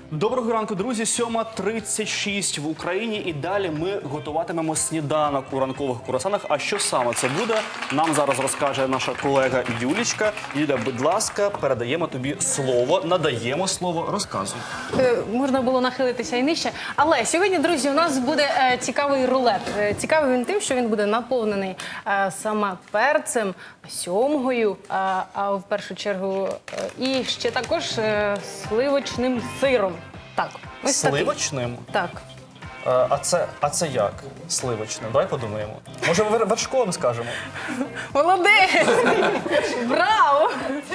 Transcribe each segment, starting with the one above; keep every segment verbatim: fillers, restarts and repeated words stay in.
Доброго ранку, друзі. сьома тридцять шість в Україні. І далі ми готуватимемо сніданок у ранкових курасанах. А що саме це буде, нам зараз розкаже наша колега Юлічка. Юля, будь ласка, передаємо тобі слово, надаємо слово, розказуй. Е, можна було нахилитися і нижче. Але сьогодні, друзі, у нас буде е, цікавий рулет. Е, цікавий він тим, що він буде наповнений е, саме перцем, сьомгою, е, а в першу чергу е, і ще також е, сливочним сиром. Так, ось такий. Сливочним? Так. А, а, це, а це як? Сливочним? Давай подумаємо. Може, вер- вершковим скажемо? Молодець! Браво!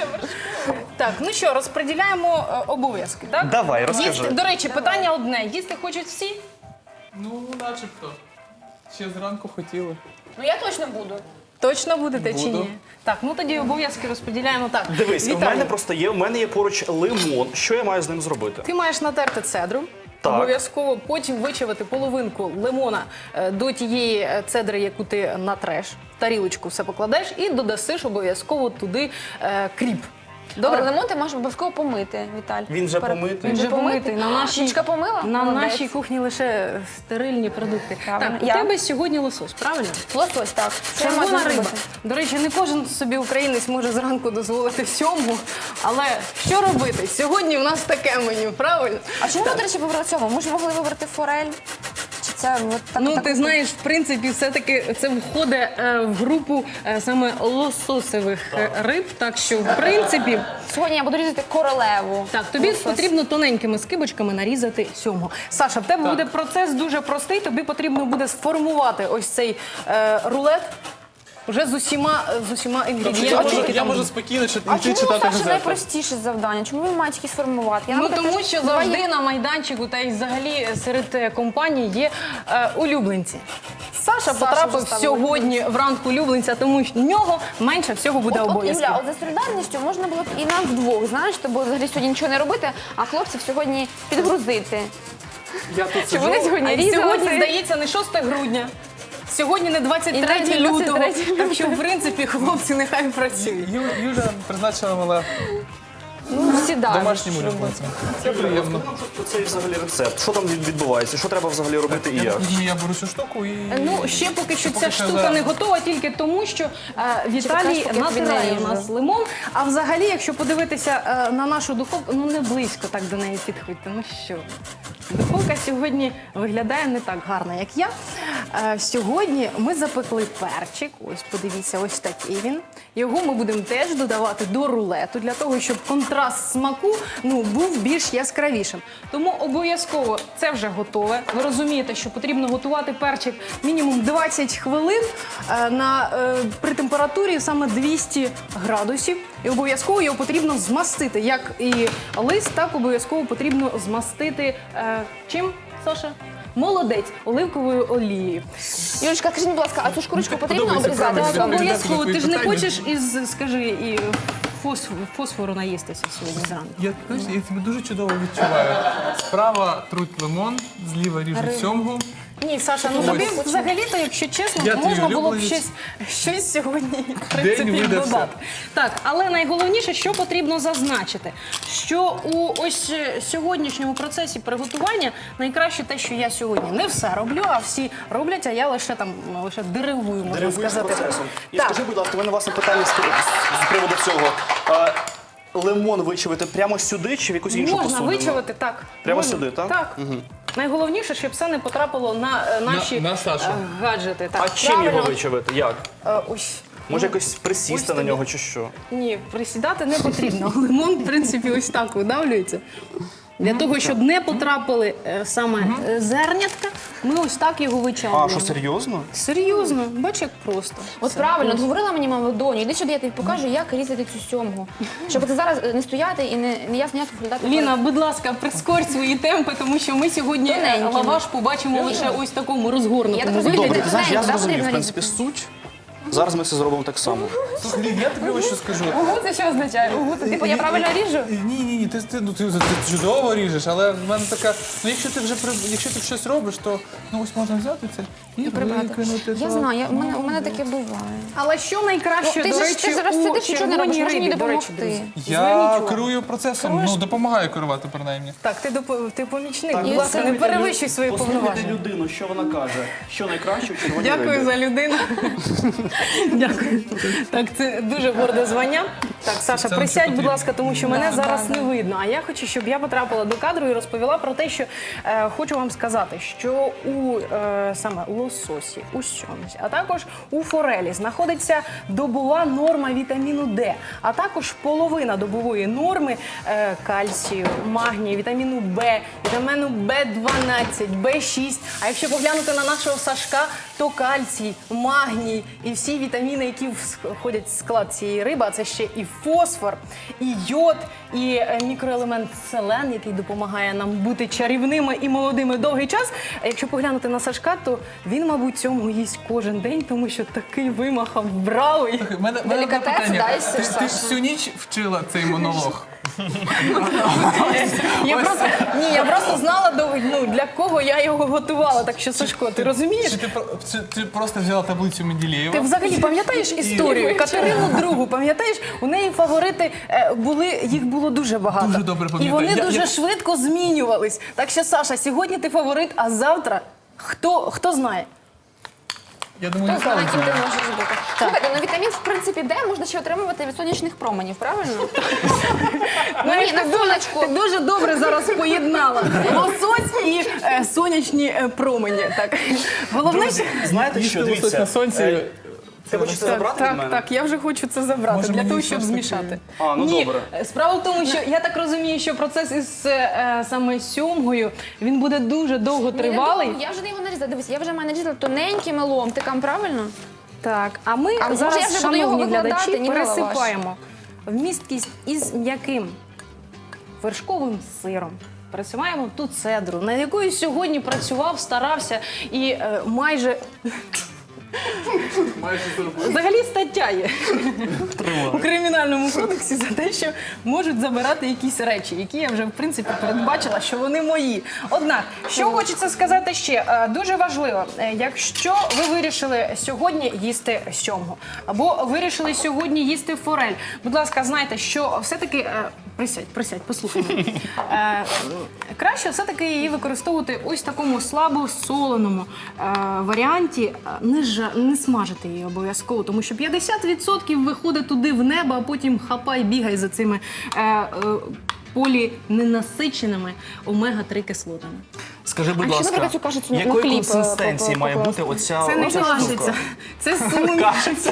Так, ну що, розподіляємо е, обов'язки, так? Давай, розкажи. Їсти, до речі, питання одне. Їсти хочуть всі? Ну, начебто. Ще зранку хотіли. Ну я точно буду. Точно будете чи Буду. ні? Так, ну тоді обов'язки розподіляємо так. Дивись, у Віталій, мене просто є, у мене є поруч лимон. Що я маю з ним зробити? ти маєш натерти цедру. Так. Обов'язково потім вичавити половинку лимона е, до тієї е, цедри, яку ти натреш, в тарілочку все покладеш і додасиш обов'язково туди е, кріп. Добре, Добре? лимон ти можеш обов'язково помити, Віталь. Він вже Перед- помитий? Він вже помитий. На нашій, Юлічка помила? на Молодець. нашій кухні лише стерильні продукти. Правильно. Так, у Я. тебе сьогодні лосось, правильно? Лосось, так. Це я Червона можу риба. зробити. До речі, не кожен собі українець може зранку дозволити сьому. Але що робити? Сьогодні у нас таке меню, правильно? А чому ми, до речі, вибрали цьому? Ми ж могли вибрати форель. Чи це от так? Ну, так- ти знаєш, в принципі, все-таки це входить е, в групу е, саме лососевих е, риб. Так що, в принципі, Сьогодні я буду різати королеву. так, тобі Лосось. потрібно тоненькими скибочками нарізати сьому. Саша, в тебе буде процес дуже простий. Тобі потрібно буде сформувати ось цей е, рулет вже з усіма, з усіма Я інгредієнтами. можу, які я там можу будуть. спокійно чи- А йти чому у читати Саші газети. найпростіше завдання? Чому він має тільки сформувати? Я, Ну наприклад, тому теж- що Давай завжди я- на майданчику та й взагалі серед е, компаній є е, улюбленці. Саша, Саша потрапив вже став сьогодні в ранг улюбленця, тому що в нього менше всього буде От, от, обов'язків. Юля, от за солідарністю можна було б і нам вдвох, знаєш, бо взагалі сьогодні нічого не робити, а хлопців сьогодні підгрузити. Я тут Щоб сиджу. вони сьогодні А різали. сьогодні, це- здається, не шосте грудня. Сьогодні не двадцять третє І не лютого, двадцять третє так що, в принципі, хлопці нехай працюють. Ю- Юля призначила мене Ну, сідаю. домашнім улюбленцем. Це приємно. Що це взагалі рецепт? Що там від- відбувається? Що треба взагалі робити і Я, як? я беру цю штуку і... Ну, ще поки що Поки ця що штука за- не готова, тільки тому, що е, Віталій Чекай, поки я тобі натирає у наріжу. нас лимон. А взагалі, якщо подивитися е, на нашу духовку, ну не близько так до неї підходьте. Ну що, духовка сьогодні виглядає не так гарно, як я. Е, сьогодні ми запекли перчик. Ось, подивіться, ось такий він. Його ми будемо теж додавати до рулету, для того, щоб контраст смаку ну, був більш яскравішим. Тому обов'язково це вже готове. Ви розумієте, що потрібно готувати перчик мінімум двадцять хвилин е, на, е, при температурі саме двісті градусів. І обов'язково його потрібно змастити. Як і лист, так обов'язково потрібно змастити е, чим, Саша? Молодець, оливковою олією. Юлечка, скажи, будь ласка, а цю шкурочку потрібно Подобається обрізати? правильно. Так, Відповідати обов'язково. на Ти ж твої не питання. хочеш із, скажи, і фосфору, фосфору наїстися сьогодні зранку? Я, знаєш, я тебе дуже чудово відчуваю. Справа труть лимон, зліва ріжуть сьомгу. Ні, Саша, ну Ось. тобі взагалі-то, якщо чесно, Я твій можна було б улюбленець. щось, щось сьогодні в принципі видався. додати. Так, але найголовніше, що потрібно зазначити, що у ось е, сьогоднішньому процесі приготування найкраще те, що я сьогодні не все роблю, а всі роблять, а я лише там ну, лише деревую, можна Деревує з сказати. процесом. І Так. скажи, будь ласка, у мене власне питання з, з приводу цього. А, лимон вичавити прямо сюди чи в якусь іншу Можна посудину? вичавити, так. Прямо Можна. сюди, так? Так. Найголовніше, щоб все не потрапило на е, наші на Сашу. е, гаджети. Так. А чим його Правильно. вичавити? Як? Е, ось. Може Ну, якось присісти ось на тобі. нього чи що? Ні, присідати не потрібно. Лимон, в принципі, ось так видавлюється. Для того, щоб не потрапили е, саме е, зернятка, ми ось так його А, вичавлюємо. що серйозно? Серйозно, бач, як просто. От Все. правильно, от говорила мені мама доню, іди сюди, я тобі покажу, як різати цю сьомгу. Щоб ти зараз е, не стояти і не, не ясно, як виглядати. Ліна, будь ласка, прискорь свої темпи, тому що ми сьогодні е, Тоненькими. лаваш побачимо лише ось в такому розгорнутому Я так розумію, вигляді. Добре, ти знаєш, я Тоненько, да, зрозумів, в потрібно принципі, різати? суть. Зараз ми це зробимо так само. Слухай, Лін, я тобі ось що скажу. Угу, це що означає? Угу, це типу я правильно ріжу? Ні, ні, ні, ти, ти, ну, ти, ти чудово ріжеш, але в мене така, ну якщо ти вже при- якщо ти щось робиш, то ну ось можна взяти це і Прибрати. викинути. Я то- знаю, я, у, мене, у мене таке буває. Але що найкраще, Ну, ти до ж- речі, ти зараз у сидиш, нічого не робиш, червоній можеш мені рибі, до речі, допомогти. друзі? Я Зверніть увагу. керую процесом, ну допомагаю керувати принаймні. Так, ти, доп- ти помічник. Так, Будь ласка, не послухайте перевищуй лю- свої послухайте повноваження. людину, що вона каже. Що найкраще у червоній Дякую рибі. за людину. Дякую. Так, це дуже горде звання. Так, Саша, Це присядь, нам будь потрібно. ласка, тому що мене зараз не видно. А я хочу, щоб я потрапила до кадру і розповіла про те, що е, хочу вам сказати, що у е, саме лососі, у сьомці, а також у форелі знаходиться добова норма вітаміну Д, а також половина добової норми е, кальцію, магнію, вітаміну Б, вітаміну Б дванадцять, Б шість. А якщо поглянути на нашого Сашка, то кальцій, магній і всі вітаміни, які входять в склад цієї риби, а це ще і фосфор, і йод, і е, мікроелемент селен, який допомагає нам бути чарівними і молодими довгий час. А якщо поглянути на Сашка, то він, мабуть, цьому їсть кожен день, тому що такий вимахав бравий. Слухай, в мене, в мене одне Делікатес, питання. да, із Ти, Саша? ти ж всю ніч вчила цей монолог. Я просто, ні, я просто знала, до- ну, для кого я його готувала. Так що, Сашко, ти розумієш? Чи ти, про- чи ти просто взяла таблицю Менделєєва? Ти взагалі пам'ятаєш історію? Катерину Другу, пам'ятаєш? У неї фаворити е, були, їх було дуже багато. Дуже добре І пам'ятаю. вони Я- дуже я- швидко змінювались. Так що, Саша, сьогодні ти фаворит, а завтра хто, хто знає? Я думаю, Хто не знає, ким ти стало. можеш бути. Слухайте, ну вітамін, в принципі, Д можна ще отримувати від сонячних променів, правильно? Ну ні, на сонечку. Ти дуже добре зараз поєднала лосось і е, сонячні е, промені. Так. Головне, Друзі, знаєте Їсти що, лосось дивіться. на сонці. е, Ти хочеш це Так, забрати від так, мене? так, я вже хочу це забрати Може, для мені того, все щоб ж таки- змішати. А, ну Ні, добре. справа в тому, що я так розумію, що процес із е, саме сьомгою він буде дуже довго тривалий. Я вже не його нарізала. Дивись, я вже маю нарізала тоненькими ломтиками, правильно? Так, а ми А може, зараз, я вже буду його шановні викладати, глядачі, ні на лаваш? пересипаємо вмісткість із м'яким вершковим сиром. Пересипаємо ту цедру, над якою сьогодні працював, старався і е, майже Майже зробив. взагалі стаття є у кримінальному кодексі за те, що можуть забирати якісь речі, які я вже в принципі передбачила, що вони мої. Однак, що хочеться сказати ще, е, дуже важливо, е, якщо ви вирішили сьогодні їсти сьомгу, або вирішили сьогодні їсти форель, будь ласка, знайте, що все-таки е, присядь, присядь, послухай мене. Е, краще все-таки її використовувати ось в такому слабосоленому е, варіанті, е, не, жа- не смажити її обов'язково, тому що п'ятдесят відсотків виходить туди в небо, а потім хапай, бігай за цими е, е, поліненасиченими омега три кислотами. Скажи, будь А ще, ласка, наприклад, цю кашицю на якої хліб, е, консистенції по- має покласти? бути оця, Це не оця кашиця, штука? це суміш.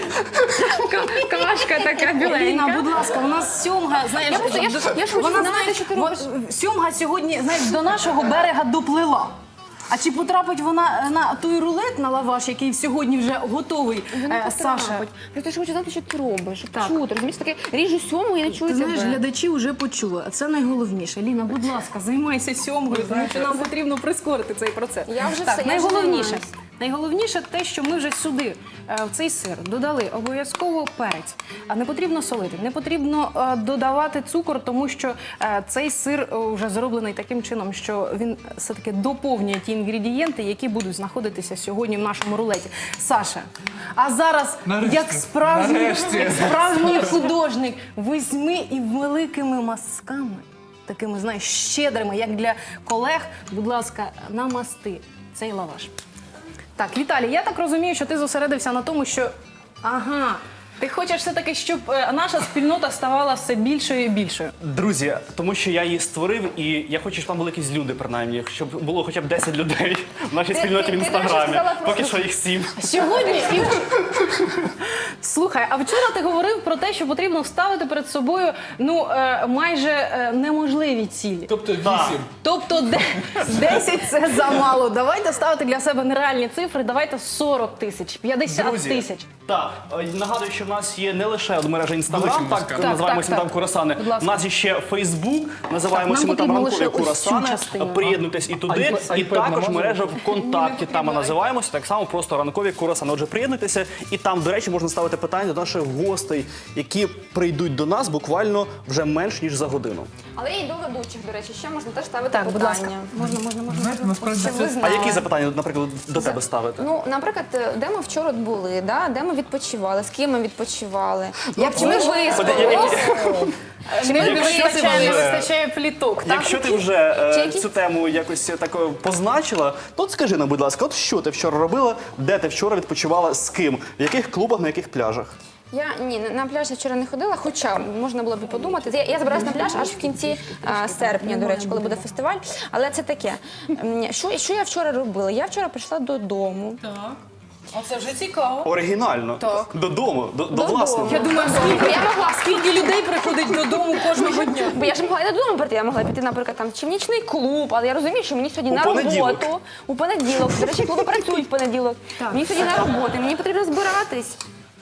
Кашка така Еліна, будь ласка, у нас сьомга, знаєш, Я просто- я ж- я ж хочу вона, знати, знаєш, що ти во- робиш. сьомга сьогодні, знаєш, до нашого берега доплила. А чи потрапить вона на той рулет на лаваш, який сьогодні вже готовий, Вона е, Саша? потрапить. Я теж хочу знати, що ти робиш, щоб Так. чути. Розумієш, таке ріжу сьому і не чую Ти знаєш, тебе. глядачі вже почули, а це найголовніше. Ліна, будь ласка, займайся сьомгою, тому що нам потрібно прискорити цей процес. Я вже так, все, я найголовніше, займаюсь. найголовніше те, що ми вже сюди, е, в цей сир, додали обов'язково перець. А не потрібно солити, не потрібно е, додавати цукор, тому що е, цей сир е, вже зроблений таким чином, що він все-таки доповнює ті інгредієнти, які будуть знаходитися сьогодні в нашому рулеті. Саша, а зараз, Нарешті. як справжній, Нарешті. як справжній художник, візьми і великими мазками, такими, знаєш, щедрими, як для колег, будь ласка, намасти цей лаваш. Так, Віталій, я так розумію, що ти зосередився на тому, що ага, ти хочеш все-таки, щоб е, наша спільнота ставала все більшою і більшою. Друзі, тому що я її створив, і я хочу, щоб там були якісь люди, принаймні, щоб було хоча б десять людей в нашій Ти- спільноті в ти- ти інстаграмі. раніше сказала Поки просто- що їх сім. Сьогодні і слухай, а вчора ти говорив про те, що потрібно ставити перед собою ну е, майже е, неможливі цілі. Тобто Так. вісім. Тобто де- десять це замало. Давайте ставити для себе нереальні цифри. Давайте сорок тисяч, п'ятдесят Друзі, тисяч. Так, е, нагадую, що в нас є не лише от мережа Інстаграм, Великим так, ласкаво. ми називаємо так, сніданок так. курасани. Будь ласка. У нас є ще Фейсбук, називаємося Так, ми нам там потрібно ранкові лише ось цю курасани. частину. Приєднуйтесь і туди, iPad і також намазали? мережа ВКонтакті. Там ми називаємося, так само просто ранкові курасани. Отже, приєднуйтеся, і там, до речі, можна ставити питання до наших гостей, які прийдуть до нас буквально вже менш ніж за годину. Але і до ведучих, до речі, ще можна теж ставити Так, будь питання. ласка. Можна, можна, можна. Знаєте, насправді Щоб ви це А знали. які запитання, наприклад, до тебе ставити? Ну, наприклад, де ми вчора були, да? Де ми відпочивали, з ким ми відпочивали, як чи ми виспалися, чи ми Не вистачає, не вже- вистачає пліток, так? Якщо ти вже е, Чи які- цю тему якось так е, позначила, то от скажи нам, будь ласка, от що ти вчора робила, де ти вчора відпочивала, з ким, в яких клубах, на яких пляжах? Я ні, на- на пляж я вчора не ходила, хоча можна було б і подумати. Я, я збираюся на пляж аж в кінці а, серпня, до речі, коли буде фестиваль. Але це таке. М, Що, що я вчора робила? Я вчора прийшла додому. Так. Оце вже цікаво. Оригінально. Так. Додому, до, до Додому. власного. Я думаю, Бо скільки, я могла скільки людей приходить додому кожного дня. Бо я ж могла і додому прийти, я могла піти, наприклад, там чи в нічний клуб, але я розумію, що мені сьогодні У на понеділок. роботу. У понеділок. До речі, клуби працюють в понеділок. Так. Мені сьогодні на роботу, мені потрібно збиратись.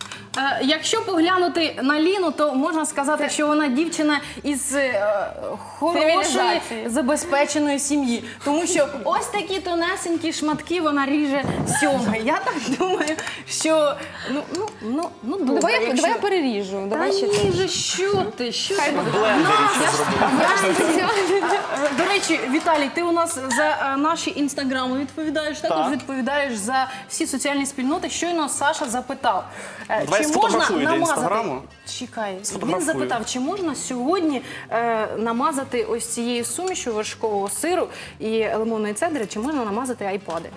Е, Якщо поглянути на Ліну, то можна сказати, що вона дівчина із е, хорошої, Цивілізації. забезпеченої сім'ї. Тому що ось такі тонесенькі шматки вона ріже сьомги. Я так думаю, що ну, ну, ну, ну добре. Давай, я, якщо- давай я переріжу. Та Давай ще ні вже, що ти, що ти? В блендері це зробила. Е, До речі, Віталій, ти у нас за е, наші інстаграми відповідаєш, також Так. відповідаєш за всі соціальні спільноти. Щойно Саша запитав, е, Давай чи можна сфотографую для намазати... Інстаграму. Чекай, він Сфотографую. запитав, чи можна сьогодні е, намазати ось цією сумішю вершкового сиру і лимонної цедри, чи можна намазати айпади?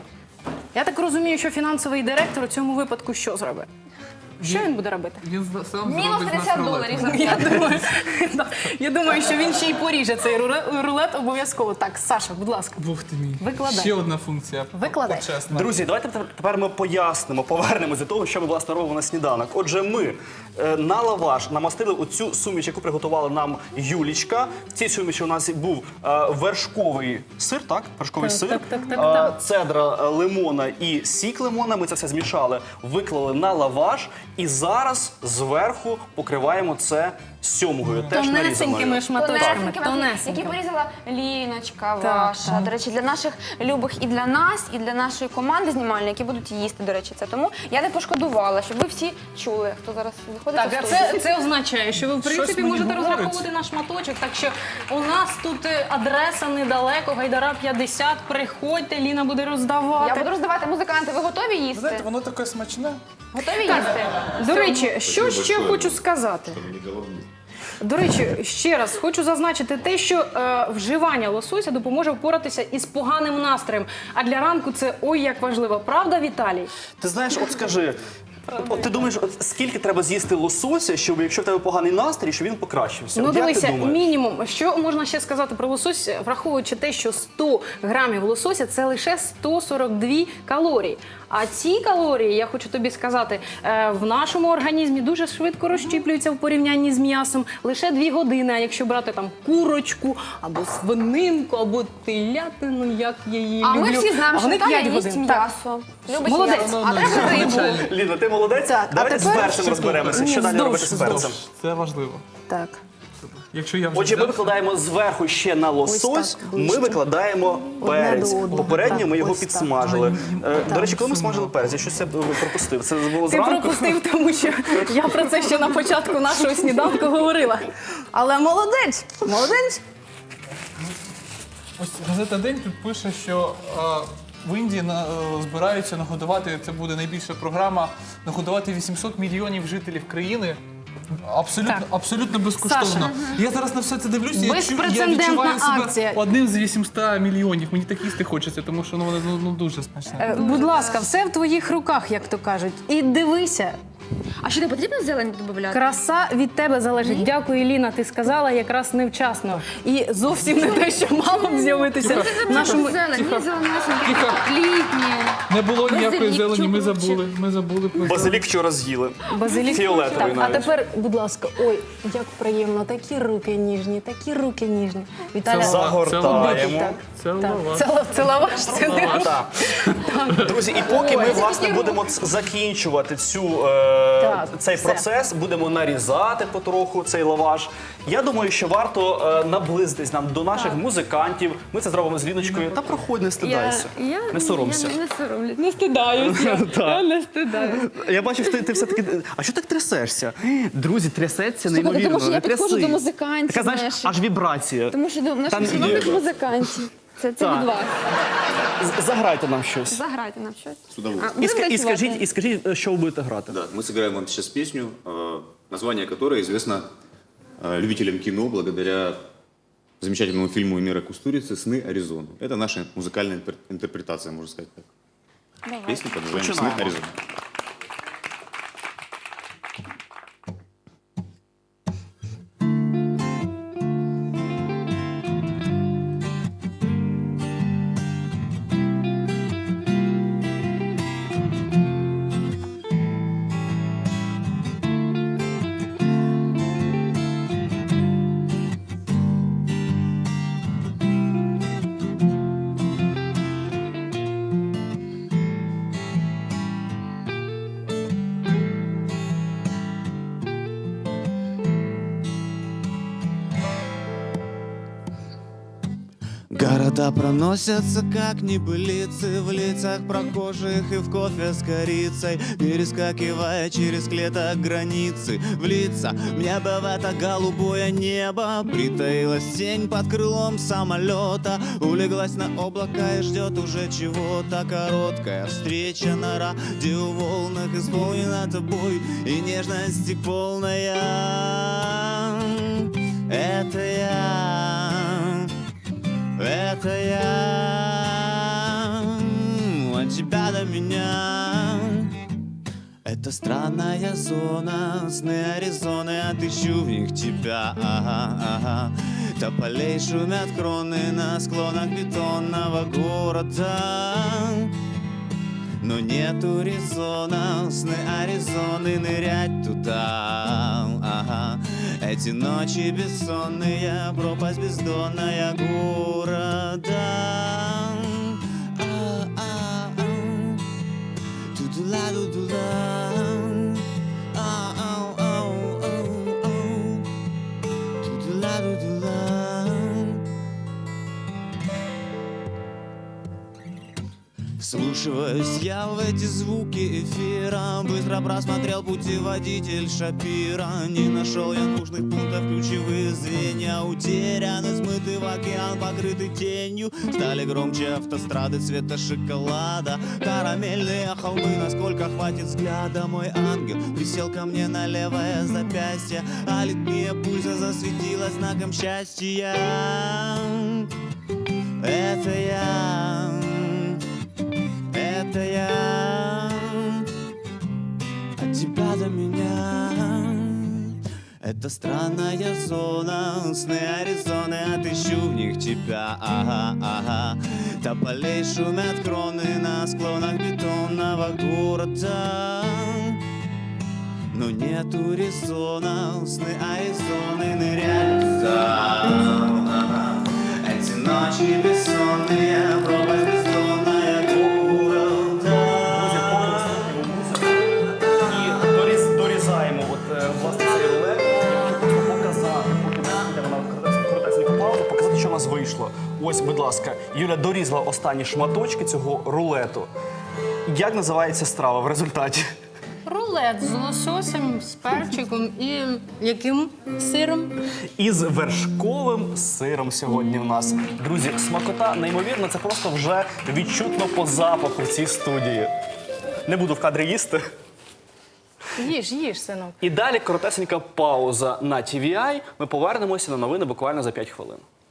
Я так розумію, що фінансовий директор у цьому випадку що зробить? Що він буде робити? Він з- сам Мінус зробить з нас п'ятдесят рулет. доларів. Я думаю, да. Я думаю, що він ще й поріже цей руле- рулет обов'язково. Так, Саша, будь ласка. Бог ти мій. Викладай. Ще одна функція. Викладай. Почесна. Друзі, давайте тепер- тепер ми пояснимо, повернемось до того, що ми власне робимо на сніданок. Отже, ми е, на лаваш намастили оцю суміш, яку приготувала нам Юлічка. В цій суміші у нас був е, вершковий сир, так? Вершковий Так, сир, так, так, так, е, так. цедра е, лимона і сік лимона. Ми це все змішали, виклали на лаваш і зараз зверху покриваємо це сьомгою, теж Тонесенькими нарізаною. шматочками. Тонесенькі, які Тонесенькими. порізала Ліночка Так, ваша. До речі, для наших любих і для нас, і для нашої команди знімальної, які будуть їсти, до речі, це. Тому я не пошкодувала, щоб ви всі чули, хто зараз виходить Так, у а студію. це, це означає, що ви в принципі мені можете говорить. розраховувати на шматочок. Так що у нас тут е, адреса недалеко, Гайдара п'ятдесят. Приходьте, Ліна буде роздавати. Я буду роздавати музиканти. Ви готові їсти? Знаєте, воно таке смачне. Готові їсти? До речі, що ще хочу сказати? До речі, ще раз хочу зазначити те, що е, вживання лосося допоможе впоратися із поганим настроєм. А для ранку це ой як важливо. Правда, Віталій? Ти знаєш, от скажи, от ти думаєш, от скільки треба з'їсти лосося, щоб якщо в тебе поганий настрій, щоб він покращився? Ну От як дивися, ти думаєш? мінімум. Що можна ще сказати про лосось, враховуючи те, що сто грамів лосося це лише сто сорок дві калорії. А ці калорії, я хочу тобі сказати, е, в нашому організмі дуже швидко розщіплюються в порівнянні з м'ясом. Лише дві години. А якщо брати там курочку або свининку, або телятину, як я її А люблю. ми всі знаємо, що вони Наталя п'ять їсть годин. Так. м'ясо. Любить Молодець. м'ясо. А треба рибу. Ліна, ти молодець. Так, а Давайте з тепер- перцем розберемося. Що Ні, далі вздовж, робити з перцем? Тож, це важливо. Так. Якщо я вже Отже, ми взяв- викладаємо зверху ще на лосось, так, ми ближче. викладаємо перець. до одного. Попередньо Так, ми його ось так. підсмажили. Е, До Так, речі, коли ми сумно. смажили перець, я щось це пропустив. Це було Ти зранку. пропустив, тому що я про це ще на початку нашого сніданку говорила. Але молодець, молодець. Ось газета День тут пише, що е, в Індії на, е, збираються нагодувати, це буде найбільша програма, нагодувати вісімсот мільйонів жителів країни. Абсолютно, Так. абсолютно безкоштовно. Саша. Я зараз на все це дивлюся, я, чу- я Безпрецедентна відчуваю себе акція. одним з вісімсот мільйонів. Мені так їсти хочеться, тому що ну, воно ну, ну, дуже смачне. Е, Будь ласка, все в твоїх руках, як то кажуть. І дивися, А що не потрібно зелень додати? Краса від тебе залежить. Дякую, Ліна. Ти сказала якраз невчасно. І зовсім не те, що мало б з'явитися в нашому. Зелень, ні, зеленесенькі, Тихо. літні. Не було ніякої Базилік, зелені, ми чубчик. забули. Ми забули про Базилік вчора з'їли. Базилік. Фіолетовий Так, а навіть. тепер, будь ласка, ой, як приємно, такі руки ніжні, такі руки ніжні. Віталя, Загортаємо. Так, Це так. лаваш. Це, ла- це лаваш, це не Лаваш. Так. Друзі, і поки ми Ой. власне будемо ц- закінчувати цю, е, Так, цей все. процес, будемо нарізати потроху цей лаваш. Я думаю, що варто е, наблизитись нам до наших музикантів. Ми це зробимо з Ліночкою. Та проходь, не стидайся. я, не соромся. Я не соромлюсь. Не стидаюся. Я не стидаюся. Я бачу, що ти, ти все-таки. А що так трясешся? Друзі, трясеться Слухайте, неймовірно. тому що я не підходжу тряси. до музикантів, Така, знаєш, знаєш. аж вібрація. Тому що до Та наших ні. шановних музикантів. Це, це Так. від вас. З- Заграйте нам щось. Заграйте нам щось. С удовольствием. І, Будемо ска- і, танцювати? скажіть, і скажіть, що ви будете грати. Да, мы сыграем вам сейчас песню, э, название которой известно э, любителям кино благодаря замечательному фильму Эмира Кустурицы «Сны Аризоны». Это наша музыкальная интер- интерпретация, можно сказать так. Песня под названием «Сны Начинаем. Аризоны». Города проносятся, как небылицы, в лицах прохожих и в кофе с корицей, перескакивая через клеток границы. В лица мне бы в это голубое небо притаилась тень под крылом самолета, улеглась на облака и ждет уже чего-то. Короткая встреча на радиоволнах исполнена тобой, и нежности полная. Это я. Это я, от тебя до меня. Это странная зона, сны Аризоны, отыщу в них тебя, ага, ага. Тополей шумят кроны на склонах бетонного города. Но нету резона, сны Аризоны, нырять туда, ага. Эти ночи бессонные, пропасть бездонная города. А-а-а. Тудула, дудула. А-ау-ау-ау-ау. Тудула, дудула. Вслушиваюсь я в эти звуки эфира, быстро просмотрел путеводитель Шапира. Не нашел я нужных пунктов, ключевые звенья утеряны, смыты в океан, покрыты тенью. Стали громче автострады цвета шоколада, карамельные холмы, насколько хватит взгляда. Мой ангел присел ко мне на левое запястье, а литмия пульса засветилась знаком счастья. Это я. Это я, от тебя до меня. Это странная зона, сны Аризоны, отыщу в них тебя, ага, ага. Тополей шумят кроны на склонах бетонного города. Но нету резона, сны Аризоны, нырять туда, ага. Эти ночи бессонные, пропасть бездонная города. І доріз- дорізаємо от, е, власне цей рулет. Я хочу просто показати, поки ми йдемо на коротесеньку паузу, показати, що у нас вийшло. Ось, будь ласка, Юля дорізала останні шматочки цього рулету. Як називається страва в результаті? Рулет з лососем, з перчиком і яким сиром? Із вершковим сиром сьогодні в нас. Друзі, смакота неймовірна, це просто вже відчутно по запаху в цій студії. Не буду в кадрі їсти. Їж, їж, синок. І далі коротесенька пауза на Ті Ві Ай. Ми повернемося на новини буквально за п'ять хвилин.